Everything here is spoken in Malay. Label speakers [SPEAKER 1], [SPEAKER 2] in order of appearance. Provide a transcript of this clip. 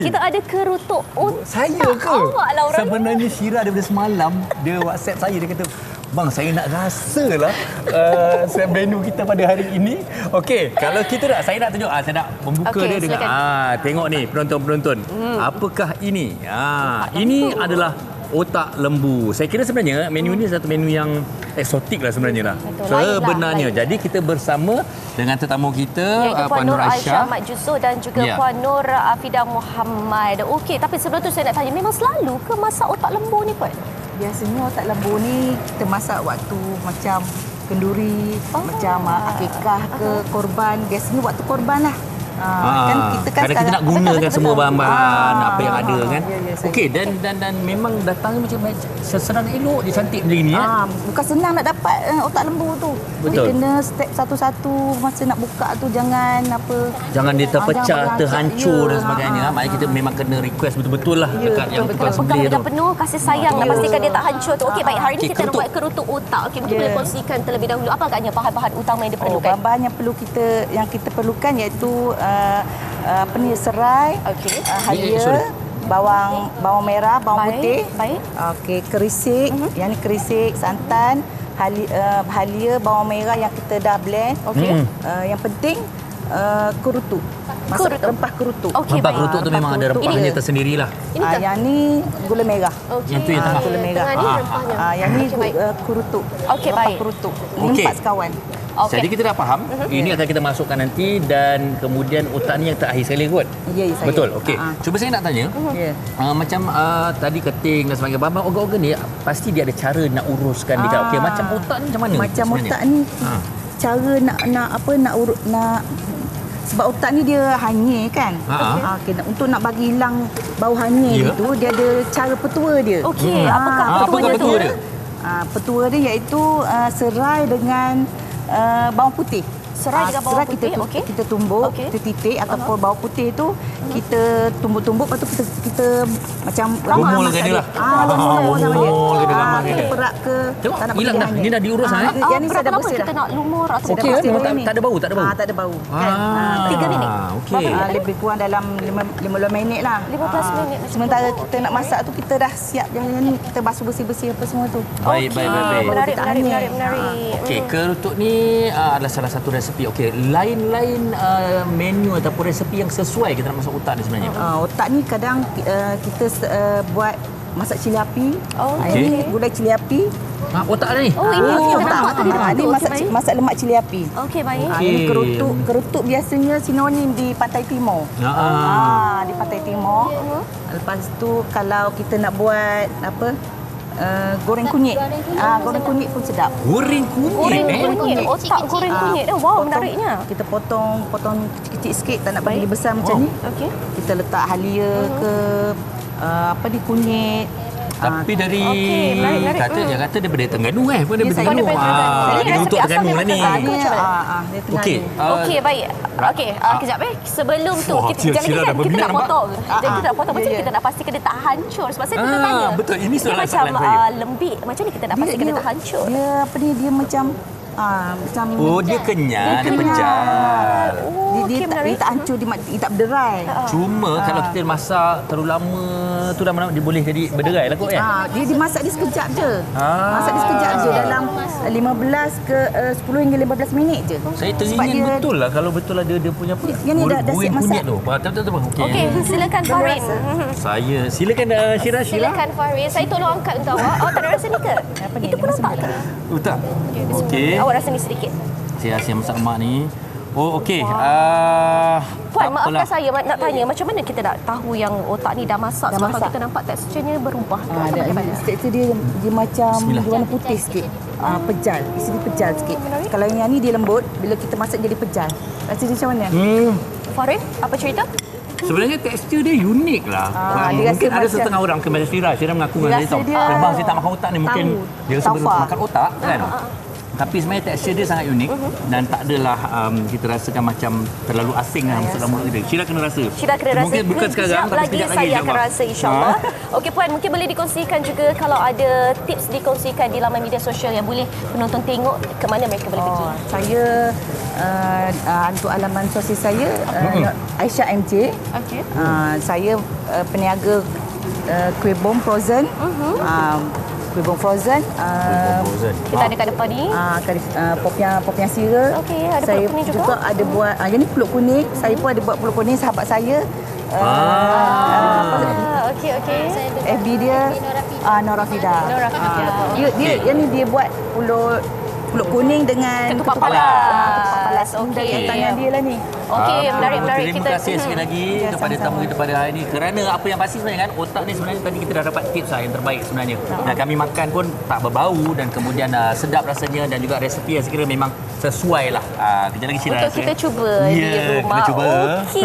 [SPEAKER 1] Kita ada kerutuk otak.
[SPEAKER 2] Saya ke?
[SPEAKER 1] Awak lah orang.
[SPEAKER 2] Sebenarnya Syira daripada semalam, dia WhatsApp saya, dia kata, "Bang, saya nak rasalah menu kita pada hari ini." Okey, kalau kita nak, saya nak tunjuk, saya nak membuka
[SPEAKER 1] Okey,
[SPEAKER 2] dia dengan tengok ni penonton-penonton. Apakah ini? Ini adalah otak lembu. Saya kira sebenarnya menu ini satu menu yang eksotik lah sebenarnya lah. Sebenarnya.
[SPEAKER 1] Lain.
[SPEAKER 2] Jadi kita bersama dengan tetamu kita,
[SPEAKER 1] Iaitu
[SPEAKER 2] Puan
[SPEAKER 1] Puan Nur Aisyah
[SPEAKER 2] Aisyah.
[SPEAKER 1] Mat Jusoh dan juga
[SPEAKER 2] Ya.
[SPEAKER 1] Puan Nur Afidah Muhammad. Okey, tapi sebelum tu saya nak tanya, memang selalu ke masak otak lembu ni, Puan?
[SPEAKER 3] Biasanya otak lembu ni kita masak waktu macam kenduri, macam akikah ke korban. Biasanya waktu korban lah. Kan
[SPEAKER 2] Kadang kita nak gunakan semua bahan-bahan apa yang ada kan.
[SPEAKER 3] Ya,
[SPEAKER 2] Okey, dan memang datangnya macam sesenang elok dia, cantik macam ni
[SPEAKER 3] bukan senang nak dapat otak lembu tu.
[SPEAKER 2] Betul.
[SPEAKER 3] Dia kena step satu-satu, masa nak buka tu jangan
[SPEAKER 2] Jangan dia terpecah,
[SPEAKER 3] jangan
[SPEAKER 2] terhancur
[SPEAKER 3] berancak.
[SPEAKER 2] dan sebagainya. Maknanya kita memang kena request betul-betul lah dekat yang tukang
[SPEAKER 1] Pegang
[SPEAKER 2] sembelih tu.
[SPEAKER 1] dengan penuh kasih sayang nak pastikan dia tak hancur tu. Okey, baik, hari ni
[SPEAKER 2] Okey,
[SPEAKER 1] kita nak
[SPEAKER 2] kerutuk.
[SPEAKER 1] buat kerutuk otak. Okey, mungkin boleh kongsikan terlebih dahulu apa agaknya bahan-bahan utama yang diperlukan?
[SPEAKER 3] bahan-bahan yang kita perlukan iaitu serai, halia, bawang merah, bawang putih.
[SPEAKER 1] Baik.
[SPEAKER 3] Okey, kerisik, yang ni kerisik, santan, halia, bawang merah yang kita dah blend.
[SPEAKER 1] Okey.
[SPEAKER 3] Yang penting kerutuk. Masak rempah kerutuk.
[SPEAKER 1] Okey,
[SPEAKER 2] Rempah
[SPEAKER 1] baik.
[SPEAKER 2] kerutuk tu memang ada rempahnya
[SPEAKER 1] Ini-
[SPEAKER 2] tersendirilah.
[SPEAKER 1] Ini kan?
[SPEAKER 3] Yang ni gula merah.
[SPEAKER 1] Okey.
[SPEAKER 2] Yang tu yang tengah.
[SPEAKER 3] Gula merah.
[SPEAKER 1] Tengah ni rempahnya.
[SPEAKER 3] Yang ni
[SPEAKER 1] Okey, baik.
[SPEAKER 3] kerutuk.
[SPEAKER 1] Okey,
[SPEAKER 3] Rempah
[SPEAKER 1] baik.
[SPEAKER 3] kerutuk.
[SPEAKER 2] Okey.
[SPEAKER 3] 4 sekawan.
[SPEAKER 1] Okey.
[SPEAKER 2] Jadi kita dah faham, ini akan kita masukkan nanti dan kemudian otak ni yang terakhir sekali kot.
[SPEAKER 3] Ya, saya.
[SPEAKER 2] Betul. Okey. Cuba saya nak tanya,
[SPEAKER 3] Ya.
[SPEAKER 2] macam tadi keting dan sebagainya, bahan-bahan organ-organ ni pasti dia ada cara nak uruskan dia. Okey, macam otak ni macam mana?
[SPEAKER 3] Macam
[SPEAKER 2] sebenarnya?
[SPEAKER 3] otak ni cara nak sebab otak ni dia hanyir kan. Okey, untuk nak bagi hilang bau hanyir
[SPEAKER 2] Ya.
[SPEAKER 3] itu dia ada cara petua dia.
[SPEAKER 1] Okey, apakah
[SPEAKER 2] Apakah
[SPEAKER 1] petuanya tu?
[SPEAKER 2] petua dia?
[SPEAKER 3] Petua dia iaitu serai dengan bawang putih.
[SPEAKER 1] Serai dengan bawang
[SPEAKER 3] serai
[SPEAKER 1] putih,
[SPEAKER 3] kita,
[SPEAKER 1] okey.
[SPEAKER 3] kita tumbuk,
[SPEAKER 1] Okey.
[SPEAKER 3] kita titik ataupun bawang putih tu kita tumbuk-tumbuk, lepas tu kita macam
[SPEAKER 2] Lumur
[SPEAKER 3] masak
[SPEAKER 2] ke dia lah.
[SPEAKER 3] lumur sama dia.
[SPEAKER 2] Lumur ke dia, lama ke
[SPEAKER 3] Kita
[SPEAKER 2] dia.
[SPEAKER 3] perak ke.
[SPEAKER 2] Tengok,
[SPEAKER 3] tak nak
[SPEAKER 2] hilang
[SPEAKER 3] bagi
[SPEAKER 2] dah.
[SPEAKER 3] hanyir.
[SPEAKER 2] Ini dah diurus
[SPEAKER 3] Ah,
[SPEAKER 2] dah,
[SPEAKER 3] yang ni saya
[SPEAKER 1] Berapa
[SPEAKER 3] dah
[SPEAKER 1] lama
[SPEAKER 3] bersih
[SPEAKER 1] kita
[SPEAKER 3] dah.
[SPEAKER 1] nak lumur atau
[SPEAKER 2] Okey,
[SPEAKER 1] berapa?
[SPEAKER 2] memang tak ada bau, tak ada bau.
[SPEAKER 3] Tak ada bau. Kan?
[SPEAKER 1] 3 minit.
[SPEAKER 2] Okey.
[SPEAKER 3] Lebih kurang dalam 15 minit lah.
[SPEAKER 1] 15 minit.
[SPEAKER 3] Sementara kita nak masak tu kita dah siap yang ni, kita basuh bersih-bersih apa semua tu.
[SPEAKER 2] Baik.
[SPEAKER 1] Menarik.
[SPEAKER 2] Okey, kerutuk ni adalah salah satu resepi. Okey, lain-lain menu ataupun resepi yang sesuai kita nak masak otak ni sebenarnya.
[SPEAKER 3] Otak ni kadang kita buat masak cili api.
[SPEAKER 2] Okey.
[SPEAKER 3] Ini gulai cili api.
[SPEAKER 2] Otak ada ni?
[SPEAKER 1] Oh, ini kita nampak tadi
[SPEAKER 3] Ini
[SPEAKER 1] betul.
[SPEAKER 3] masak lemak cili api.
[SPEAKER 1] Okey, baik.
[SPEAKER 3] Ini kerutuk biasanya sinonim di Pantai Timur. Di Pantai Timur. Lepas tu kalau kita nak buat goreng kunyit. Goreng kunyit pun sedap.
[SPEAKER 2] Goreng
[SPEAKER 1] Goreng
[SPEAKER 2] kunyit.
[SPEAKER 1] kunyit. Otak goreng kunyit. Wow, menariknya.
[SPEAKER 3] Kita potong kecil-kecil sikit, tak nak bagi besar macam ni.
[SPEAKER 1] Okey.
[SPEAKER 3] Kita letak halia ke kunyit.
[SPEAKER 2] Tapi dari
[SPEAKER 1] Okey, menarik.
[SPEAKER 2] dia kata daripada Terengganu pun daripada
[SPEAKER 3] saya
[SPEAKER 2] Terengganu.
[SPEAKER 1] daripada Terengganu. Ini
[SPEAKER 2] Dia
[SPEAKER 1] resepi
[SPEAKER 2] untuk
[SPEAKER 1] asal
[SPEAKER 2] Terengganu lah
[SPEAKER 1] memang
[SPEAKER 2] ni.
[SPEAKER 1] Terengganu.
[SPEAKER 3] Dia tengah
[SPEAKER 2] Okey.
[SPEAKER 3] ni.
[SPEAKER 1] Okey, baik. Okey, kejap Sebelum tu
[SPEAKER 2] Wah,
[SPEAKER 1] kita
[SPEAKER 2] Syira dah
[SPEAKER 1] kita
[SPEAKER 2] berminat
[SPEAKER 1] nak
[SPEAKER 2] nampak.
[SPEAKER 1] potong. Jadi kita nak potong macam
[SPEAKER 3] Ya,
[SPEAKER 1] ni, kita nak pastikan dia tak hancur. Sebab saya tanya.
[SPEAKER 2] betul. Ini
[SPEAKER 1] dia
[SPEAKER 2] soalan
[SPEAKER 1] macam
[SPEAKER 2] saya.
[SPEAKER 1] lembik. Macam ni kita nak pastikan dia tak hancur.
[SPEAKER 3] Dia macam
[SPEAKER 2] Dia kenyal, dia pejal.
[SPEAKER 3] dia tak hancur, dia tak berderai.
[SPEAKER 2] Cuma kalau kita masak terlalu lama tu dah dia boleh jadi berderai lah kot
[SPEAKER 3] Dia dimasak dia sekejap je. Masak dia sekejap je dalam 15 ke 10 hingga 15 minit je.
[SPEAKER 2] Saya
[SPEAKER 3] Sebab
[SPEAKER 2] teringin
[SPEAKER 3] dia-
[SPEAKER 2] betul lah kalau betul ada dia punya apa.
[SPEAKER 3] Yang ni dah siap
[SPEAKER 2] goreng
[SPEAKER 3] masak.
[SPEAKER 2] kunyit tu. Betul.
[SPEAKER 1] Okey, silakan Farin.
[SPEAKER 2] Saya silakan Syira.
[SPEAKER 1] Silakan Farin. Saya tolong angkat untuk awak. Awak tak ada rasa ni ke?
[SPEAKER 3] Apa ni?
[SPEAKER 1] Itu pun nampak ke?
[SPEAKER 2] Tak.
[SPEAKER 1] Okey.
[SPEAKER 2] Okey.
[SPEAKER 1] Awak rasa ni sedikit.
[SPEAKER 2] Saya rasa masak lemak ni. Oh, okey.
[SPEAKER 1] Puan,
[SPEAKER 2] tak
[SPEAKER 1] maafkan
[SPEAKER 2] apalah.
[SPEAKER 1] saya nak tanya, macam mana kita nak tahu yang otak ni dah masak? Sebab kalau
[SPEAKER 3] masak.
[SPEAKER 1] kita nampak teksturnya berubah. Atau
[SPEAKER 3] Ada
[SPEAKER 1] bagaimana?
[SPEAKER 3] tekstur dia macam
[SPEAKER 2] Bismillah.
[SPEAKER 3] warna putih sikit. Pejal. Isi dia pejal sikit. Kalau yang ni dia lembut, bila kita masak jadi pejal. Rasa dia macam mana?
[SPEAKER 1] Farin, apa cerita?
[SPEAKER 2] Sebenarnya tekstur dia unik lah.
[SPEAKER 3] dia
[SPEAKER 2] Mungkin
[SPEAKER 3] rasa
[SPEAKER 2] ada
[SPEAKER 3] macam-
[SPEAKER 2] setengah orang ke macam Syira mengaku
[SPEAKER 3] Dia
[SPEAKER 2] dengan saya
[SPEAKER 3] rasa
[SPEAKER 2] tahu.
[SPEAKER 3] dia
[SPEAKER 2] Bang, saya tak makan otak ni. Mungkin
[SPEAKER 3] tahu.
[SPEAKER 2] dia rasa
[SPEAKER 3] Taufa.
[SPEAKER 2] makan otak kan. Tapi sebenarnya tekstur dia sangat unik dan tak adalah kita rasakan macam terlalu asing lah masuk dalam mulut kita. Syira kena rasa.
[SPEAKER 1] Syira kena rasa.
[SPEAKER 2] Mungkin bukan sekarang tapi
[SPEAKER 1] lagi
[SPEAKER 2] sekejap lagi
[SPEAKER 1] saya akan
[SPEAKER 2] insyaAllah.
[SPEAKER 1] rasa insyaAllah. Okey Puan, mungkin boleh dikongsikan juga kalau ada tips dikongsikan di laman media sosial yang boleh penonton tengok ke mana mereka boleh pergi.
[SPEAKER 3] Saya untuk alaman sosial saya Aisyah MJ.
[SPEAKER 1] Okey.
[SPEAKER 3] Saya peniaga kuih bom frozen. Kuih bom frozen.
[SPEAKER 1] Kita ada kat depan ni.
[SPEAKER 3] Popiah sira.
[SPEAKER 1] Okey, ada
[SPEAKER 3] saya
[SPEAKER 1] pulut kuning juga.
[SPEAKER 3] ada buat yang ni pulut kuning. Saya pun ada buat pulut kuning sahabat saya.
[SPEAKER 1] Okey.
[SPEAKER 3] FB dia Norafida.
[SPEAKER 1] Norafida.
[SPEAKER 3] Dia yang ni dia buat pulut kuning dengan
[SPEAKER 1] Ketupat palas.
[SPEAKER 3] Dari tangan dia lah ni.
[SPEAKER 1] Okey, menarik
[SPEAKER 2] Terima kasih sekali lagi kepada tamu kita pada hari ini. Kerana apa yang pasti sebenarnya kan, otak ni sebenarnya tadi kita dah dapat tips lah yang terbaik sebenarnya. Dan kami makan pun tak berbau dan kemudian sedap rasanya dan juga resepi yang saya kira memang sesuai lah. Kejap lagi Syira
[SPEAKER 1] Untuk kita cuba di
[SPEAKER 2] Ya,
[SPEAKER 1] rumah.
[SPEAKER 2] kita cuba.
[SPEAKER 1] Okey.